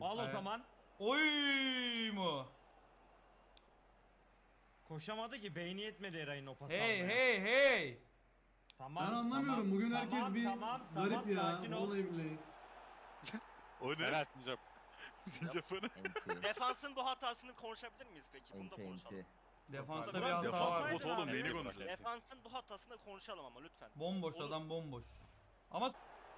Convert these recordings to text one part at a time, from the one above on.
Al o Evet. zaman. Oy mu? Koşamadı ki, beyni yetmedi Eray'ın o pası Hey almaya. hey hey. Tamam, Ben anlamıyorum. tamam, Bugün herkes tamam, bir tamam, garip ya. sakin ol. Vallahi billahi. O ne? Evet Sincap. Sincap o ne? Enti. Defansın bu hatasını konuşabilir miyiz peki? Bunu da Enti konuşalım. enti. Defansta Burak, bir hata defans var. oynadı. Bot oğlum abi. neyini konuşuyor? Defansın bu hatasını konuşalım ama lütfen. Bomboş Olur. adam bomboş. Ama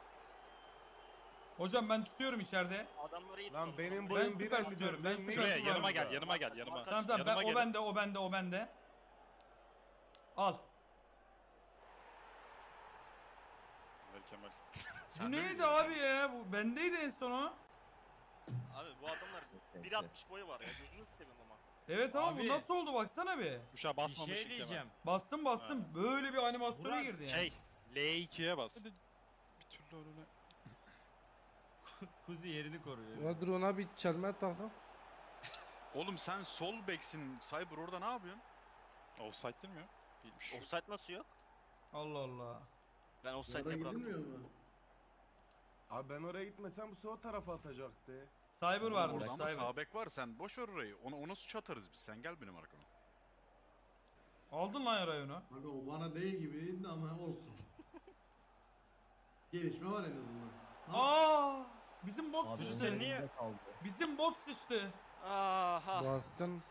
hocam ben tutuyorum içeride. Adamları iyi Lan tutalım. benim Ben boyum süper 1.54. tutuyorum, ben Ben süper ne Şuraya Şurası yanıma var gel yanıma gel yanıma. Tamam tamam ben, Yanıma o gelin. bende o bende o bende. Al. Ver Kemal. Bu neydi abi ya? Bu bendeydi en son o. Abi bu adamlar Enti. 1.60 boyu var ya. Gözünü seveyim ama. Evet ama Abi. bu nasıl oldu baksana bir. Tuşa Bir basmamışım şey Kemal. diyeceğim. Bastım bastım böyle bir animasyona Burak, girdi yani. Şey L2'ye bas. Bir türlü önüne. Kuzi yerini koruyor. Ya dur ona bir çelme takım. Oğlum sen sol beksin. Cyber orada ne yapıyorsun? Offside değil mi ya? Değilmiş. Offside nasıl yok? Allah Allah. Ben Orada offside'e bıraktım. gidilmiyor mu? Abi ben oraya gitmesem bu sefer o tarafa atacaktı. Cyber varmış Oradan da Cyber. sağ bek var. Sen boş ver orayı. Ona suç atarız biz. Sen gel benim arkama. Aldın lan yarayı onu. Bak o bana değil gibiydi ama olsun. Gelişme var en azından. Ha, Aa! Bizim boss Abi sıçtı. önde niye? kaldı. Bizim boss sıçtı. Aha. Bastın.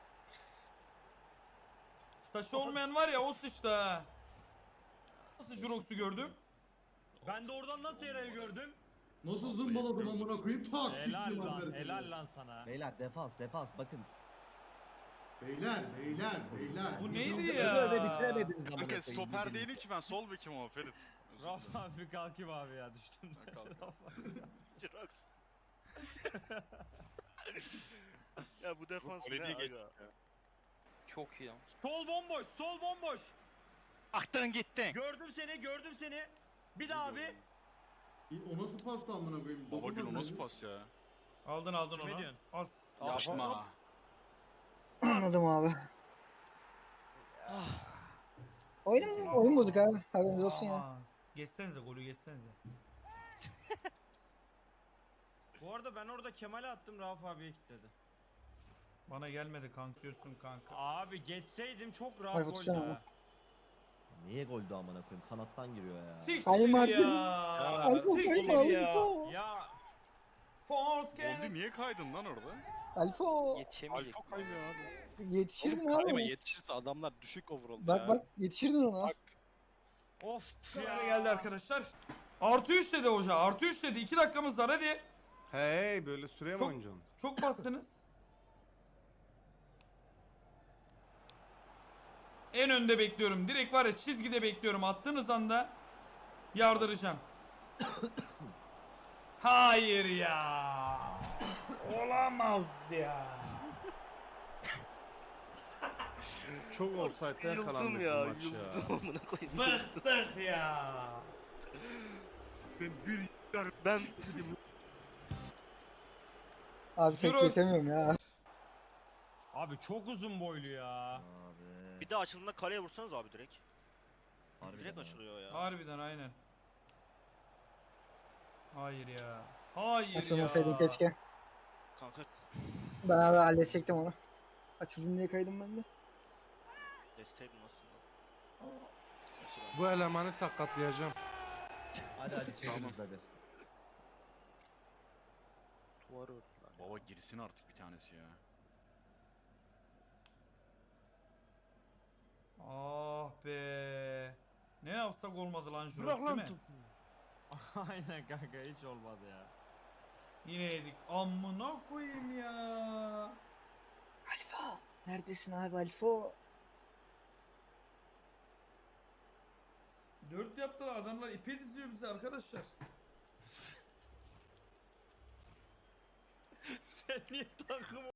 Saçı olmayan var ya o sıçtı ha. Nasıl Jurox'u gördüm? Ben de oradan nasıl Eray'ı gördüm? Nasıl zımbaladım amına koyayım? Tak Helal siktim lan, Alper'i. helal lan sana. Beyler defans bakın. Beyler. Bu neydi Biz de ya? öyle bitiremediniz amına Kanka koyayım. stoper değilim ki ben sol bekim o Ferit. Özür dilerim. Rafa abi kalkayım abi ya, düştüm. Ben kalkıyorum. Jirox. Ya bu defans ne Kaleciye geçtik aga? ya. Çok iyi lan. Sol bomboş, sol bomboş. Aktın gittin. Gördüm seni, gördüm seni. Bir daha abi. O nasıl pasta amına koyayım? Baba Dokunmaz Gül o nasıl bence. pas ya? Aldın Kime onu. diyorsun? As. Yapma. Anladım abi. Oyun bozuk abi. Haberiniz olsun ya. Aman. Geçsenize golü geçsenize. Bu arada ben orada Kemal'e attım, Rafa abiye kilitledi. Bana gelmedi kanka diyorsun kanka. Abi geçseydim çok rahat Ay, goldü tutsana ha. ama. Niye goldü amına koyayım? Kanattan giriyor ya. Siktir Ay, Martins. ya. Alfa Siktir kaydı ya. Alfa. Ya Force Oldu Canis. niye kaydın lan orada? Alfa. Alfa kaymıyor abi. Yetişirdin Kayma abi. yetişirse adamlar düşük overall. Bak yetişirdin ona. of Kamera ya. geldi arkadaşlar. Artı 3 dedi hoca. Artı 3 dedi. 2 dakikamız var hadi. Hey böyle süreye mi Çok- oynayacaksınız? Çok bastınız. En önde bekliyorum. Direkt var ya çizgide bekliyorum. Attığınız anda yardıracağım. Hayır ya. Olamaz ya. Çok offside'de yakalandık Yıldım bu ya, maç ya. yıldım amına koyayım. Bıktık ya. Ben Abi tek Jirox. yetemiyorum ya. Abi çok uzun boylu ya. Abi. bir daha açıldığında kaleye vursanız abi direkt. Harbiden Direkt ha. açılıyor ya. Harbiden aynen. Hayır ya. Hayır Açılmasaydın ya. keşke. Kanka Ben abi halledecektim onu. Açıldın diye kaydım ben de. desteğim aslında. Nasıl ben? Bu elemanı sakatlayacağım. Hadi çeviririz hadi. Baba girsin artık bir tanesi ya. Ah be. Ne yapsak olmadı lan Jurox Bırak değil lan mi? topu. Aynen kanka, hiç olmadı ya. Yine yedik. Amına koyayım ya. Alfa. Neredesin abi Alfa? 4 yaptılar adamlar ipe diziyor bizi arkadaşlar. Sen niye takım